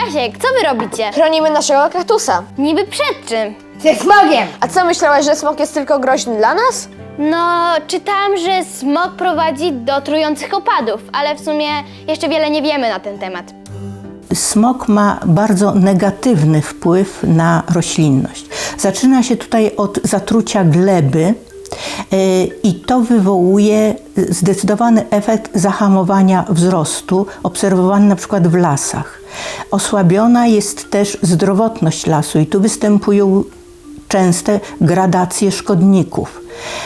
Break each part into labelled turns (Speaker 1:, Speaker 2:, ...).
Speaker 1: Jasiek, co wy robicie?
Speaker 2: Chronimy naszego kaktusa.
Speaker 1: Niby przed czym?
Speaker 3: Ze smogiem!
Speaker 2: A co, myślałaś, że smog jest tylko groźny dla nas?
Speaker 1: No, czytałam, że smog prowadzi do trujących opadów, ale w sumie jeszcze wiele nie wiemy na ten temat.
Speaker 4: Smog ma bardzo negatywny wpływ na roślinność. Zaczyna się tutaj od zatrucia gleby i to wywołuje zdecydowany efekt zahamowania wzrostu obserwowany na przykład w lasach. Osłabiona jest też zdrowotność lasu i tu występują częste gradacje szkodników.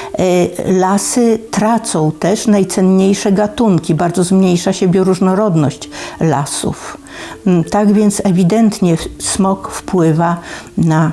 Speaker 4: Lasy tracą też najcenniejsze gatunki, bardzo zmniejsza się bioróżnorodność lasów. Tak więc ewidentnie smog wpływa na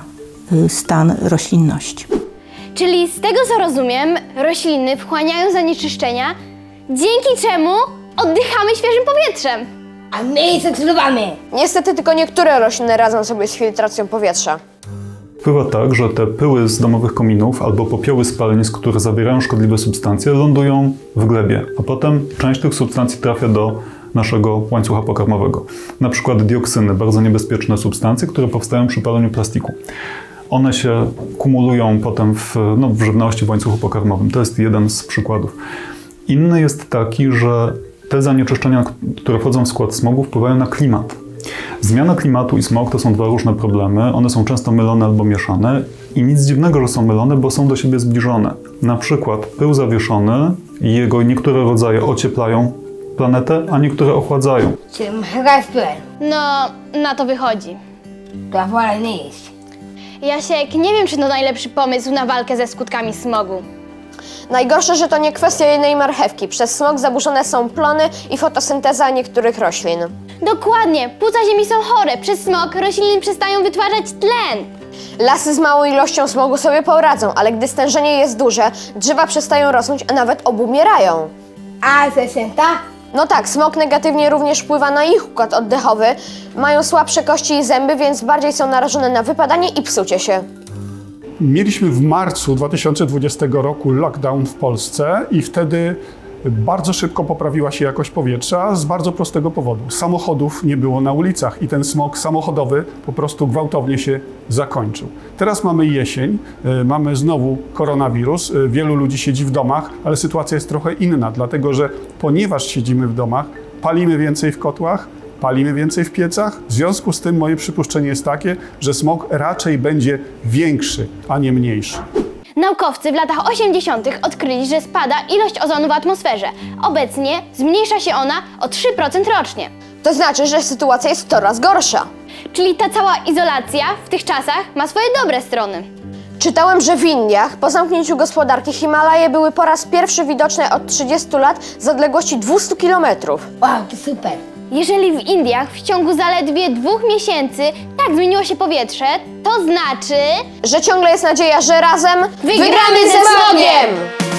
Speaker 4: stan roślinności.
Speaker 1: Czyli z tego co rozumiem, rośliny wchłaniają zanieczyszczenia, dzięki czemu oddychamy świeżym powietrzem.
Speaker 3: A my je zatrudowamy!
Speaker 2: Niestety tylko niektóre rośliny radzą sobie z filtracją powietrza.
Speaker 5: Bywa tak, że te pyły z domowych kominów albo popioły spalenisk, które zawierają szkodliwe substancje, lądują w glebie, a potem część tych substancji trafia do naszego łańcucha pokarmowego. Na przykład dioksyny, bardzo niebezpieczne substancje, które powstają przy paleniu plastiku. One się kumulują potem w żywności, w łańcuchu pokarmowym. To jest jeden z przykładów. Inny jest taki, że te zanieczyszczenia, które wchodzą w skład smogu, wpływają na klimat. Zmiana klimatu i smog to są dwa różne problemy. One są często mylone albo mieszane i nic dziwnego, że są mylone, bo są do siebie zbliżone. Na przykład pył zawieszony i jego niektóre rodzaje ocieplają planetę, a niektóre ochładzają.
Speaker 3: Czyli mega spyłem.
Speaker 1: No, na to wychodzi.
Speaker 3: To wolę nie jest.
Speaker 1: Jasiek, nie wiem, czy to najlepszy pomysł na walkę ze skutkami smogu.
Speaker 2: Najgorsze, że to nie kwestia jednej marchewki. Przez smog zaburzone są plony i fotosynteza niektórych roślin.
Speaker 1: Dokładnie, płuca ziemi są chore. Przez smog rośliny przestają wytwarzać tlen.
Speaker 2: Lasy z małą ilością smogu sobie poradzą, ale gdy stężenie jest duże, drzewa przestają rosnąć, a nawet obumierają.
Speaker 3: A zesęta?
Speaker 2: No tak, smog negatywnie również wpływa na ich układ oddechowy. Mają słabsze kości i zęby, więc bardziej są narażone na wypadanie i psucie się.
Speaker 6: Mieliśmy w marcu 2020 roku lockdown w Polsce i wtedy bardzo szybko poprawiła się jakość powietrza z bardzo prostego powodu. Samochodów nie było na ulicach i ten smog samochodowy po prostu gwałtownie się zakończył. Teraz mamy jesień, mamy znowu koronawirus, wielu ludzi siedzi w domach, ale sytuacja jest trochę inna, dlatego że ponieważ siedzimy w domach, palimy więcej w kotłach, palimy więcej w piecach. W związku z tym moje przypuszczenie jest takie, że smog raczej będzie większy, a nie mniejszy.
Speaker 1: Naukowcy w latach 80. odkryli, że spada ilość ozonu w atmosferze. Obecnie zmniejsza się ona o 3% rocznie.
Speaker 2: To znaczy, że sytuacja jest coraz gorsza.
Speaker 1: Czyli ta cała izolacja w tych czasach ma swoje dobre strony.
Speaker 2: Czytałem, że w Indiach po zamknięciu gospodarki Himalaje były po raz pierwszy widoczne od 30 lat z odległości 200 km.
Speaker 3: Wow, to super.
Speaker 1: Jeżeli w Indiach w ciągu zaledwie 2 miesięcy tak zmieniło się powietrze, to znaczy...
Speaker 2: Że ciągle jest nadzieja, że razem wygramy ze smogiem!